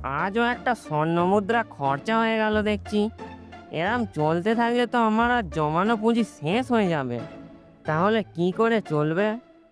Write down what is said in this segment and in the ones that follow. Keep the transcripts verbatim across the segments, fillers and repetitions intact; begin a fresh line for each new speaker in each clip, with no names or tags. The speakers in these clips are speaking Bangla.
আজও একটা স্বর্ণ মুদ্রা খরচা হয়ে গেল দেখছি। এরম চলতে থাকলে তো আমার আর জমানো পুঁজি শেষ হয়ে যাবে। তাহলে কি করে চলবে?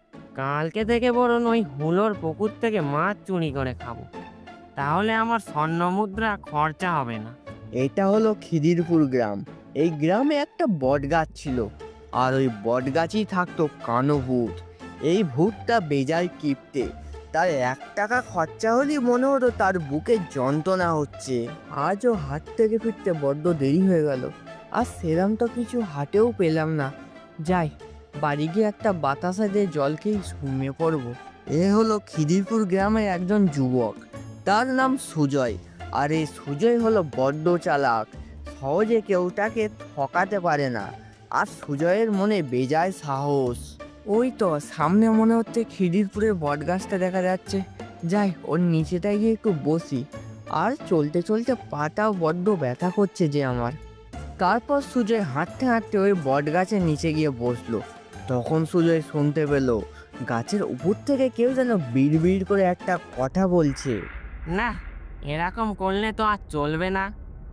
কালকে থেকে বরং ওই হুলোর পুকুর থেকে মাছ চুরি করে খাবো, তাহলে আমার স্বর্ণ মুদ্রা খরচা হবে না।
এটা হলো খিদিরপুর গ্রাম। এই গ্রামে একটা বট গাছ ছিল, আর ওই বট গাছই থাকতো কানো ভূত। এই ভূতটা বেজায় কিপটে। তার এক টাকা খরচা হলেই মনে হতো তার বুকে যন্ত্রণা হচ্ছে। আজও হাট থেকে ফিরতে বড্ড দেরি হয়ে গেল, আর সেরাম তো কিছু হাটেও পেলাম না। যাই, বাড়ি গিয়ে একটা বাতাসা দিয়ে জল খেয়ে ঘুমিয়ে পড়বো। এ হলো খিদিরপুর গ্রামের একজন যুবক, তার নাম সুজয়। আর এই সুজয় হলো বড্ড চালাক, সহজে কেউ তাকে ঠকাতে পারে না। আর সুজয়ের মনে বেজায় সাহস। ওই তো সামনে মনে হচ্ছে খিদিরপুরের বট গাছটা দেখা যাচ্ছে। যাই, ওর নিচেটায় গিয়ে একটু বসি। আর চলতে চলতে পাটাও বড্ড ব্যথা করছে যে আমার। তারপর সুজয় হাঁটতে হাঁটতে ওই বট গাছের নিচে গিয়ে বসলো। তখন সুজয় শুনতে পেল গাছের উপর থেকে কেউ যেন বিড় বিড় করে একটা কথা বলছে।
না, এরকম করলে তো আর চলবে না।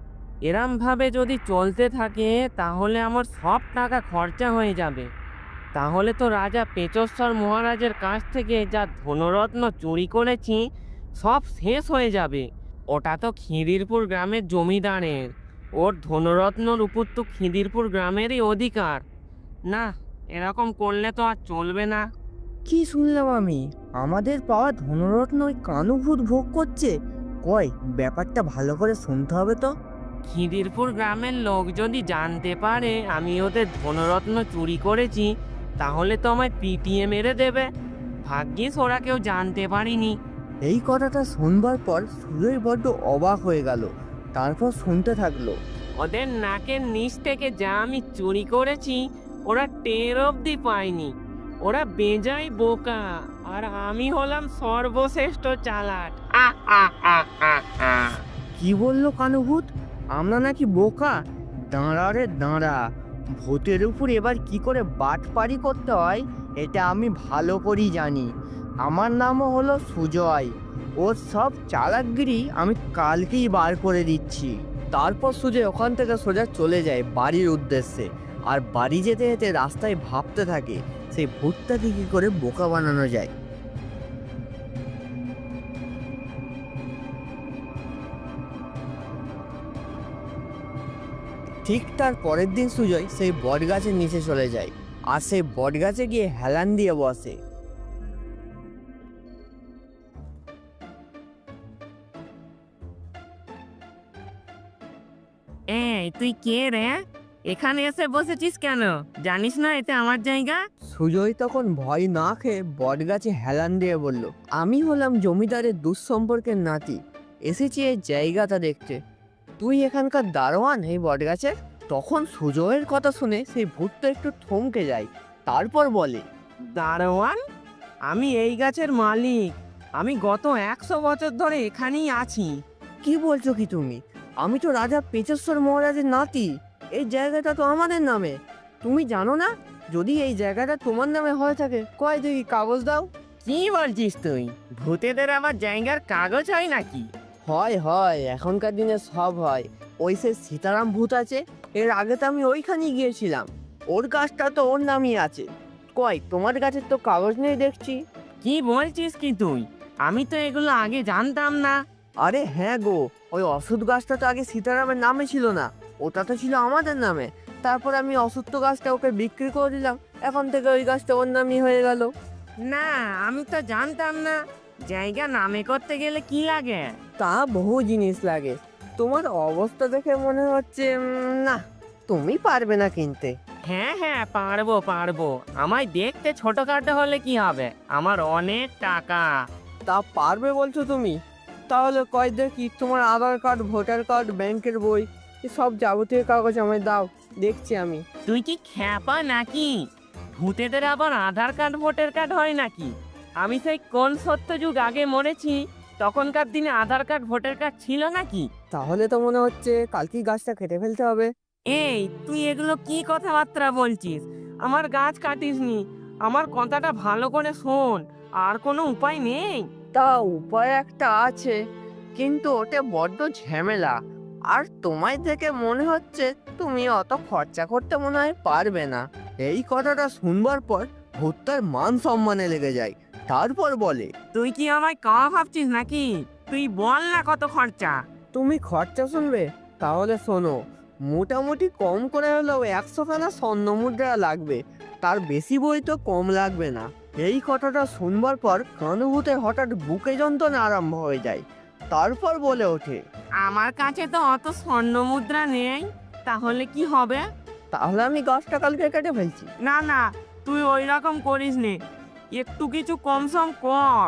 এরম ভাবে যদি চলতে থাকে তাহলে আমার সব টাকা খরচা হয়ে যাবে। তাহলে তো রাজা পেচশ্বর মহারাজের কাছ থেকে যা ধনরত্ন চুরি করেছি সব শেষ হয়ে যাবে। ওটা তো খিদিরপুর গ্রামের জমিদারের। ওর ধনরত্নর উপর তো খিদিরপুর গ্রামেরই অধিকার। না, এরকম করলে তো আর চলবে না।
কি শুনলাম আমি? আমাদের পাওয়া ধনরত্ন ওই কানুভূত ভোগ করছে? কই, ব্যাপারটা ভালো করে শুনতে হবে তো।
খিদিরপুর গ্রামের লোক যদি জানতে পারে আমি ওদের ধনরত্ন চুরি করেছি তাহলে তো আমায় পিটিয়ে মেরে দেবে। ভাগ্যিস ওরা কেউ জানতে পারিনি।
এই কথাটা শুনবার পর সুজয় বড্ড অবাক হয়ে গেল। তারপর শুনতে থাকলো।
ওদের নাকের নিচ থেকে যা আমি চুরি করেছি ওরা টের অবধি পায়নি। ওরা বেজায় বোকা, আর আমি হলাম সর্বশ্রেষ্ঠ চালাক। আহ আহ আহ আহ আহ।
কি বললো কানুভূত? আমরা নাকি বোকা? দাঁড়া রে দাঁড়া, ভূতের উপর এবার কি করে বাটপারি করতে হয় এটা আমি ভালো করেই জানি। আমার নামও হলো সুজয়। ওর সব চালাকগিরি আমি কালকেই বার করে দিচ্ছি। তারপর সুজয় ওখান থেকে সোজা চলে যায় বাড়ির উদ্দেশ্যে। আর বাড়ি যেতে যেতে রাস্তায় ভাবতে থাকে সেই ভূতটাকে কি করে বোকা বানানো যায়। ঠিক তার পরের দিন সুজয় সেই বট গাছের নিচে চলে যায়, আর সেই বট গাছে গিয়ে হেলান দিয়ে বসে।
এই তুই কে রে? এখানে এসে বসেছিস কেন? জানিস না এটা আমার জায়গা?
সুজয় তখন ভয় না খেয়ে বট গাছে হেলান দিয়ে বলল, আমি হলাম জমিদারের দুঃসম্পর্কের নাতি, এসেছি এই জায়গাটা দেখতে। তুই এখানকার দারোয়ান এই বট গাছের? তখন সুজয়ের কথা শুনে সেই ভূতটা একটু থমকে যায়। তারপর বলে,
দারোয়ান? আমি এই গাছের মালিক। আমি গত একশো বছর ধরে এখানেই আছি।
কি বলছো কি তুমি? আমি তো রাজা পেচেশ্বর মহারাজের নাতি। এই জায়গাটা তো আমাদের নামে। তুমি জানো না? যদি এই জায়গাটা তোমার নামে হয়ে থাকে, কয় দেখি কাগজ দাও।
কি বলছিস তুই? ভূতেদের আবার জায়গার কাগজ হয় নাকি?
হয় হয়, এখনকার দিনে সব হয়। ওই সে সীতারাম ভূত আছে, এর আগে তো আমি ওইখানেই গিয়েছিলাম। ওর গাছটা তো ওর নামই আছে। কয়, তোমার গাছের তো কাগজ নেই দেখছি।
কি বলছিস কি তুই? আমি তো এগুলো আগে জানতাম না।
আরে হ্যাঁ গো, ওই অশ্বত্থ গাছটা তো আগে সীতারামের নামে ছিল না, ওটা তো ছিল আমাদের নামে। তারপর আমি অশ্বত্থ গাছটা ওকে বিক্রি করে দিলাম, এখন থেকে ওই গাছটা ওর নামই হয়ে গেল।
না, আমি তো জানতাম না। জায়গা নামে করতে গেলে কি লাগে?
তা বহু জিনিস লাগে। তোমার অবস্থা দেখে মনে হচ্ছে উম, না, তুমি পারবে না কিনতে।
হ্যাঁ হ্যাঁ, পারবো পারবো। আমায় দেখতে ছোটখাটো হলে কি হবে, আমার অনেক টাকা।
তা পারবে বলছো তুমি? তাহলে কয় দেখি তোমার আধার কার্ড, ভোটার কার্ড, ব্যাংকের বই, সব যাবতীয় কাগজ আমায় দাও, দেখছি আমি।
তুই কি খ্যাপা নাকি? ভূতেদের আবার আধার কার্ড ভোটার কার্ড হয় নাকি? আমি সেই কোন সত্যযুগ আগে মরেছি, তখনকার দিনে আধার কার্ড ভোটার কার্ড ছিল নাকি?
তাহলে তো মনে হচ্ছে কালকেই গাছটা কেটে ফেলতে হবে।
এই তুই এগুলো কি কথাবার্তা বলছিস? আমার গাছ কাটিসনি। আমার কথাটা ভালো করে শোন। আর কোনো উপায় নেই?
তা উপায় একটা আছে। কিন্তু ওটা বড্ড ঝামেলা। আর তোমায় দেখে মনে হচ্ছে তুমি অত খরচা করতে মনে হয় পারবে না। এই কথাটা শুনবার পর ভূতটার মান সম্মানে লেগে যায়। তারপর বলে,
তুই কি আমায় কাওয়া ভাবছিস নাকি? তুই বল না কত খরচা।
তুমি খরচা শুনবে? তাহলে শোনো, মোটামুটি কম করে হলেও একশো খানা স্বর্ণ মুদ্রা লাগবে, তার বেশি বই তো কম লাগবে না। এই কথাটা শুনবার পর কানুভূতের হঠাৎ বুকে যন্ত্রণা আরম্ভ হয়ে যায়। তারপর বলে ওঠে,
আমার কাছে তো অত স্বর্ণ মুদ্রা নেই, তাহলে কি হবে?
তাহলে আমি গাছটা কালকে কেটে ফেলছি।
না না, তুই ওই রকম করিস নে, একটু কিছু কম সম কর।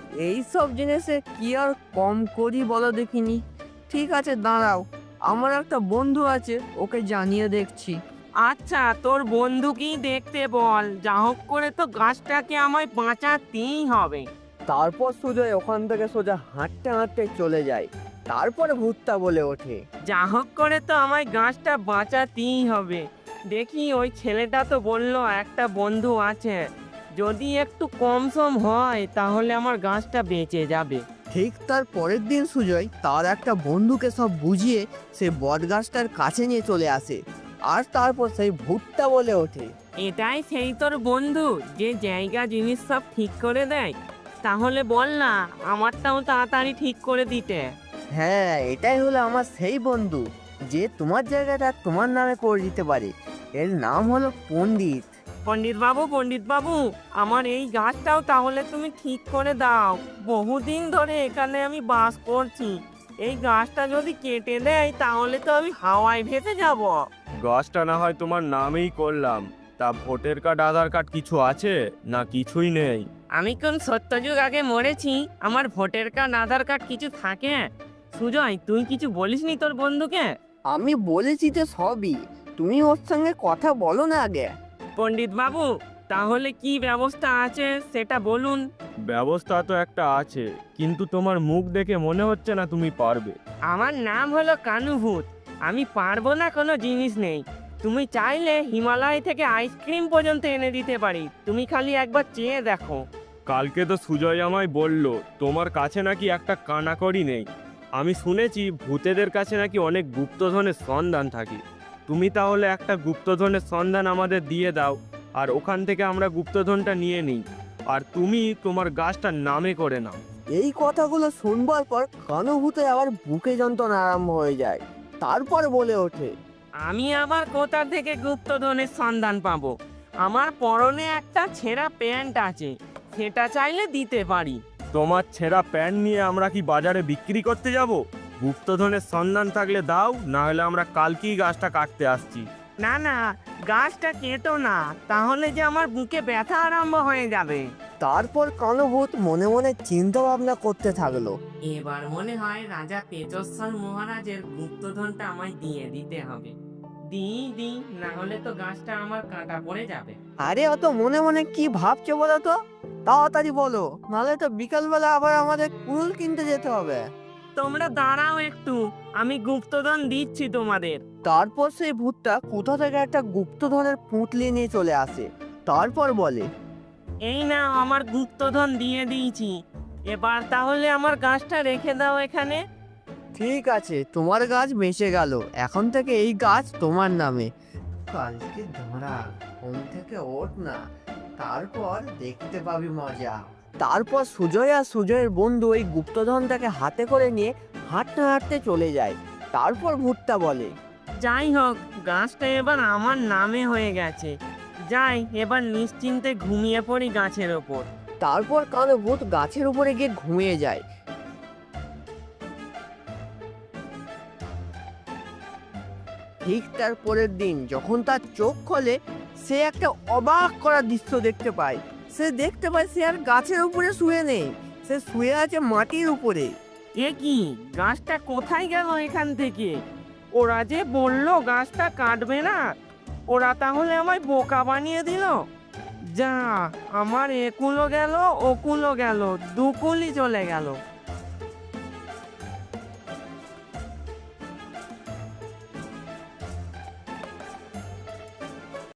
এইসব জিনিসে কি আর কম করি বলো দেখিনি। ঠিক আছে, দাঁড়াও, আমার একটা বন্ধু আছে, ওকে জানিয়ে দেখছি।
আচ্ছা, তোর বন্ধুকেই দেখতে বল, যা হোক করে তো গাছটাকে আমায় বাঁচাতেই হবে।
তারপর সুজয় ওখান থেকে সোজা হাঁটতে হাঁটতে চলে যায়। তারপরে ভূতটা বলে ওঠে,
যা হোক করে তো আমায় গাছটা বাঁচাতেই হবে। দেখি, ওই ছেলেটা তো বললো একটা বন্ধু আছে, যদি একটু কম সম হয় তাহলে আমার গাছটা বেঁচে যাবে।
ঠিক তার পরের দিন সুজয় তার একটা বন্ধুকে সব বুঝিয়ে সে বটগাছটার কাছে নিয়ে চলে আসে। আর তারপর সেই ভূতটা বলে ওঠে,
এটাই সেই তোর বন্ধু যে জায়গা জিনিস সব ঠিক করে দেয়? তাহলে বল না, আমারটাও তাড়াতাড়ি ঠিক করে দিতে।
হ্যাঁ, এটাই হলো আমার সেই বন্ধু যে তোমার জায়গাটা তোমার নামে করে দিতে পারে। এর নাম হলো পণ্ডিত।
পণ্ডিত বাবু, পণ্ডিত বাবু, আমার এই গাছটাও তাহলে তুমি ঠিক করে দাও। বহুদিন ধরে এখানে আমি বাস করছি, এই গাছটা যদি কেটে দেয় তাহলে তো আমি হাওয়ায় ভেসে যাব।
গাছটা না হয় তোমার নামেই করলাম, তা ভোটার কার্ড আধার কার্ড কিছু আছে না কিছুই নেই?
আমি কোন সত্যযুগ আগে মরেছি, আমার ভোটার কার্ড আধার কার্ড কিছু থাকে? সুজয়, তুই কিছু বলিসনি তোর বন্ধুকে?
আমি বলেছি তো সবই, তুমি ওর সঙ্গে কথা বলো না আগে।
পণ্ডিত বাবু, তাহলে কি ব্যবস্থা আছে সেটা বলুন।
ব্যবস্থা তো একটা আছে, কিন্তু তোমার মুখ দেখে মনে হচ্ছে না তুমি পারবে।
আমার নাম হলো কানুভূত, আমি পারবো না কোনো জিনিস নেই। তুমি চাইলে হিমালয় থেকে আইসক্রিম পর্যন্ত এনে দিতে পারি, তুমি খালি একবার চেয়ে দেখো।
কালকে তো সুজয় আমায় বলল তোমার কাছে নাকি একটা কানাকড়ি নেই। আমি শুনেছি ভূতেদের কাছে নাকি অনেক গুপ্তধনের সন্ধান থাকে। তুমি তাহলে একটা গুপ্তধনের সন্ধান আমাদের দিয়ে দাও, আর ওখান থেকে আমরা গুপ্তধনটা নিয়ে নিই, আর তুমি তোমার গাছটার নামে করে নাও।
এই কথাগুলো শুনবার পর কানুভূতে আবার বুকে যন্ত্রণা আরম্ভ হয়ে যায়। তারপর বলে ওঠে,
আমি আবার কোথা থেকে গুপ্তধনের সন্ধান পাবো? আমার পরনে একটা ছেঁড়া প্যান্ট আছে, সেটা চাইলে দিতে পারি।
তোমার ছেঁড়া প্যান্ট নিয়ে আমরা কি বাজারে বিক্রি করতে যাব? গুপ্তধনের সন্ধান থাকলে দাও, না হলে আমরা কালকেই গাছটা কাটতে আসছি।
না না, গাছটা কেটো না, তাহলে যে আমার বুকে ব্যথা আরম্ভ হয়ে যাবে।
তারপর কানুভূত মনে মনে চিন্তা ভাবনা করতে থাকলো।
এবার মনে হয় রাজা তেজস্বর মহারাজের গুপ্তধনটা আমায় দিয়ে দিতে হবে। দিই দিই, না হলে তো গাছটা আমার কাটা পড়ে যাবে।
আরে অত মনে মনে কি ভাবছো বলো তো, তাড়াতাড়ি বলো, নাহলে তো বিকালবেলা আবার আমাদের কুল কিনতে যেতে হবে।
তোমরা দাঁড়াও একটু, আমি গুপ্তধন দিচ্ছি তোমাদের।
তারপর সেই ভূতটা কোথা থেকে একটা গুপ্তধনের পুঁটলি নিয়ে চলে আসে। তারপর বলে,
এই না, আমার গুপ্তধন দিয়ে দিয়েছি, এবার তাহলে আমার গাছটা রেখে দাও এখানে।
ঠিক আছে, তোমার গাছ বেঁচে গেল, এখন থেকে এই গাছ তোমার নামে। কালকে ধরা ঘুম থেকে ওঠ না, তারপর দেখতে পাবি মজা। তারপর সুজয় আর সুজয়ের বন্ধু ওই গুপ্তধনটাকে হাতে করে নিয়ে হাঁটতে হাঁটতে চলে যায়। তারপর ভূতটা বলে,
যাই হোক, গাছটা এবার আমার নামে হয়ে গেছে, যাই এবার নিশ্চিন্তে ঘুমিয়ে পড়ি গাছের ওপর।
তারপর কালো ভূত গাছের উপরে গিয়ে ঘুমিয়ে যায়। ঠিক তার পরের দিন যখন তার চোখ খোলে, সে একটা অবাক করা দৃশ্য দেখতে পায়। সে দেখতে পায় সে আর গাছের উপরে শুয়ে নেই, সে শুয়ে আছে মাটির উপরে।
এ কি, গাছটা কোথায় গেল এখান থেকে? ওরা যে বললো গাছটা কাটবে না, ওরা তাহলে আমায় বোকা বানিয়ে দিল। যা, আমার একুলো গেল ওকুলো গেল, দুকুলি চলে গেল।